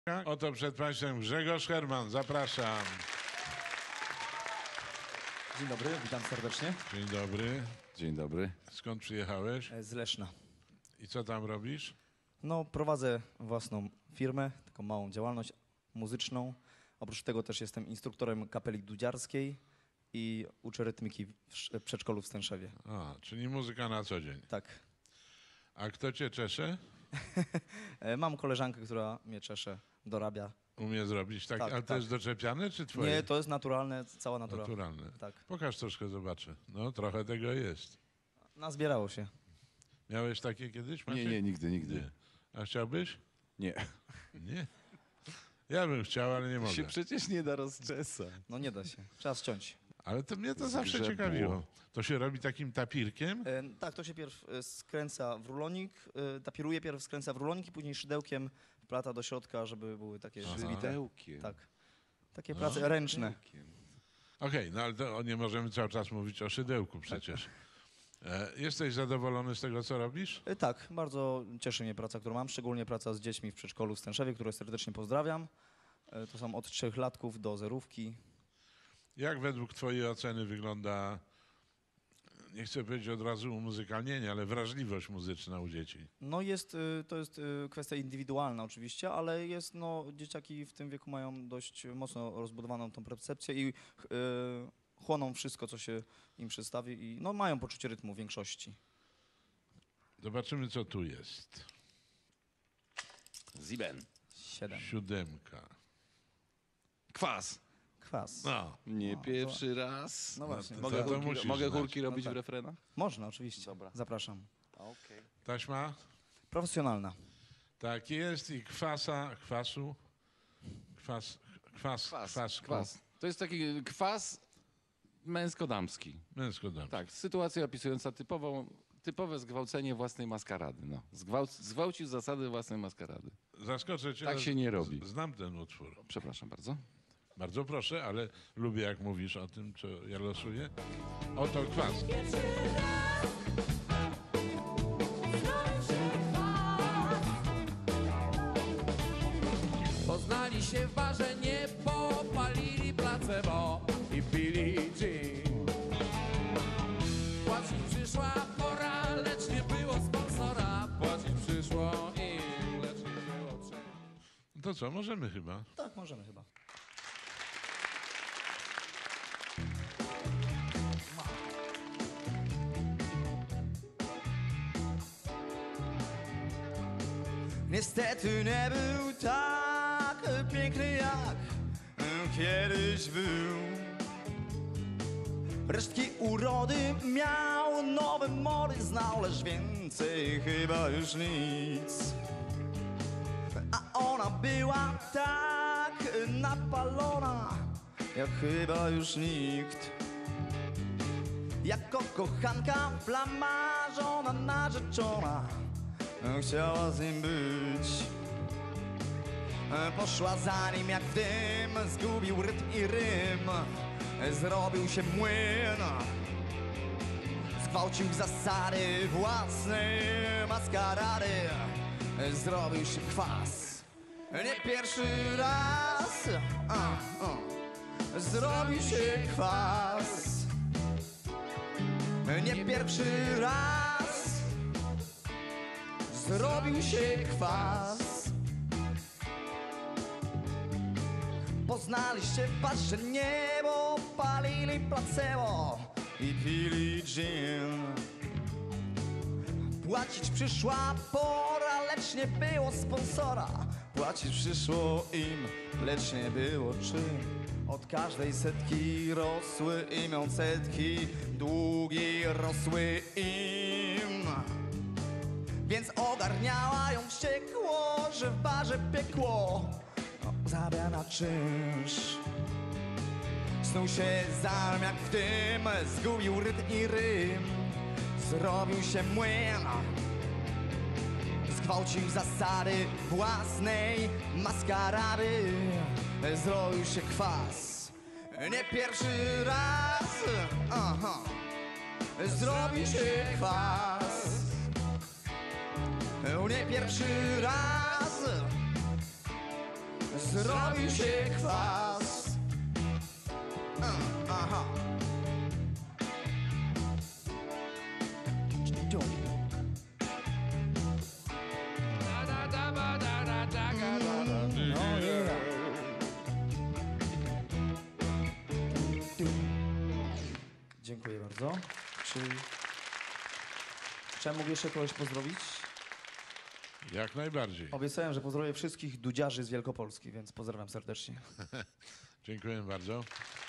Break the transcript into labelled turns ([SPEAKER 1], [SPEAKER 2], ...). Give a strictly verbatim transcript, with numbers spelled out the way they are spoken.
[SPEAKER 1] Oto przed Państwem Grzegorz Herman, zapraszam.
[SPEAKER 2] Dzień dobry, witam serdecznie.
[SPEAKER 1] Dzień dobry.
[SPEAKER 3] Dzień dobry.
[SPEAKER 1] Skąd przyjechałeś?
[SPEAKER 2] Z Leszna.
[SPEAKER 1] I co tam robisz?
[SPEAKER 2] No, prowadzę własną firmę, taką małą działalność muzyczną. Oprócz tego też jestem instruktorem kapeli dudziarskiej i uczę rytmiki w przedszkolu w Stęszewie.
[SPEAKER 1] A, czyli muzyka na co dzień.
[SPEAKER 2] Tak.
[SPEAKER 1] A kto cię czesze?
[SPEAKER 2] Mam koleżankę, która mnie czesze, dorabia.
[SPEAKER 1] Umie zrobić tak,
[SPEAKER 2] Tak,
[SPEAKER 1] ale to
[SPEAKER 2] tak.
[SPEAKER 1] jest doczepiane czy twoje?
[SPEAKER 2] Nie, to jest naturalne, cała natura.
[SPEAKER 1] Naturalne.
[SPEAKER 2] Tak.
[SPEAKER 1] Pokaż troszkę, zobaczę. No, trochę tego jest.
[SPEAKER 2] Nazbierało się.
[SPEAKER 1] Miałeś takie kiedyś, Maciek?
[SPEAKER 3] Nie, nie, nigdy, nigdy.
[SPEAKER 1] Nie. A chciałbyś?
[SPEAKER 3] Nie.
[SPEAKER 1] Nie. Ja bym chciał, ale nie
[SPEAKER 3] To
[SPEAKER 1] mogę.
[SPEAKER 3] się przecież nie da rozczesać.
[SPEAKER 2] No nie da się, trzeba ściąć.
[SPEAKER 1] Ale to mnie to
[SPEAKER 3] Z
[SPEAKER 1] zawsze
[SPEAKER 3] grzebu.
[SPEAKER 1] ciekawiło. To się robi takim tapirkiem?
[SPEAKER 2] E, tak, to się pierw e, skręca w rulonik, e, tapiruje pierw, skręca w rulonik i później szydełkiem wplata do środka, żeby były takie zbite.
[SPEAKER 3] Szydełkiem.
[SPEAKER 2] Tak. Takie prace ręczne.
[SPEAKER 1] Okej, no ale to nie możemy cały czas mówić o szydełku przecież. E, jesteś zadowolony z tego, co robisz?
[SPEAKER 2] E, Tak, bardzo cieszy mnie praca, którą mam, szczególnie praca z dziećmi w przedszkolu w Stęszewie, które serdecznie pozdrawiam. E, To są od trzech latków do zerówki.
[SPEAKER 1] Jak według twojej oceny wygląda, nie chcę powiedzieć od razu umuzykalnienie, ale wrażliwość muzyczna u dzieci?
[SPEAKER 2] No jest, y, to jest y, kwestia indywidualna oczywiście, ale jest, no, dzieciaki w tym wieku mają dość mocno rozbudowaną tą percepcję i y, chłoną wszystko, co się im przedstawi i no, mają poczucie rytmu w większości.
[SPEAKER 1] Zobaczymy, co tu jest.
[SPEAKER 3] Ziben.
[SPEAKER 2] Siedem.
[SPEAKER 1] Siódemka.
[SPEAKER 3] Kwas.
[SPEAKER 2] Kwas.
[SPEAKER 1] No,
[SPEAKER 3] Nie
[SPEAKER 2] No,
[SPEAKER 3] pierwszy raz.
[SPEAKER 2] No właśnie.
[SPEAKER 1] to-
[SPEAKER 3] Mogę,
[SPEAKER 1] to
[SPEAKER 3] chórki,
[SPEAKER 1] musisz
[SPEAKER 3] mogę
[SPEAKER 1] znać.
[SPEAKER 3] chórki robić
[SPEAKER 2] No tak.
[SPEAKER 3] w refrenach?
[SPEAKER 2] Można, oczywiście.
[SPEAKER 3] Dobra.
[SPEAKER 2] Zapraszam.
[SPEAKER 3] Okej.
[SPEAKER 1] taśma?
[SPEAKER 2] Profesjonalna.
[SPEAKER 1] Tak jest i kwasa, kwasu, kwas, kwas,
[SPEAKER 3] Kwas.
[SPEAKER 1] kwasku.
[SPEAKER 3] Kwas. To jest taki kwas męsko-damski.
[SPEAKER 1] Męsko-damski.
[SPEAKER 3] Tak, sytuacja opisująca typową, typowe zgwałcenie własnej maskarady. No. Zgwałc, zgwałcił zasady własnej maskarady.
[SPEAKER 1] Zaskoczę cię.
[SPEAKER 3] Tak
[SPEAKER 1] ale
[SPEAKER 3] się nie robi.
[SPEAKER 1] z- Znam ten utwór.
[SPEAKER 3] Przepraszam bardzo.
[SPEAKER 1] Bardzo proszę, ale lubię, jak mówisz o tym, co ja losuję. Oto kwas.
[SPEAKER 4] Poznali się w barze, nie popalili placebo i pili gin. Płacić przyszła pora, lecz nie było sponsora. Płacić przyszło im, lecz nie było czym.
[SPEAKER 1] No to co, możemy chyba.
[SPEAKER 2] Tak, możemy chyba. Niestety nie był tak piękny jak kiedyś był. Resztki urody miał, nowe mody znał, lecz więcej chyba już nic. A ona była tak napalona, jak chyba już nikt. Jako kochanka, flamarzona, narzeczona, chciała z nim być. Poszła za nim jak dym, zgubił rytm i rym, zrobił się młyn. Zgwałcił zasady własnej maskarady, zrobił się kwas. Nie pierwszy raz, a, a, zrobił się kwas. Nie pierwszy raz zrobił się kwas. Poznaliście w barze niebo, palili placebo i pili gin. Płacić przyszła pora, lecz nie było sponsora. Płacić przyszło im, lecz nie było czym. Od każdej setki rosły imią setki, długi rosły im. Więc ogarniała ją wściekło, że w barze piekło zabia na czynsz. Snuł się za nim jak w dym, zgubił rytm i rym, zrobił się młyn. Zgwałcił zasady własnej maskarady, zrobił się kwas. Nie pierwszy raz, aha, zrobił się kwas. Nie pierwszy raz zrobił się kwas. Aha.
[SPEAKER 4] Da, da, da, ba, da, da, da, ga, da, da.
[SPEAKER 2] No yeah. Dziękuję bardzo. Czy... Czy ja mógł jeszcze kogoś pozdrowić?
[SPEAKER 1] Jak najbardziej.
[SPEAKER 2] Obiecałem, że pozdrowię wszystkich dudziarzy z Wielkopolski, więc pozdrawiam serdecznie.
[SPEAKER 1] Dziękuję bardzo.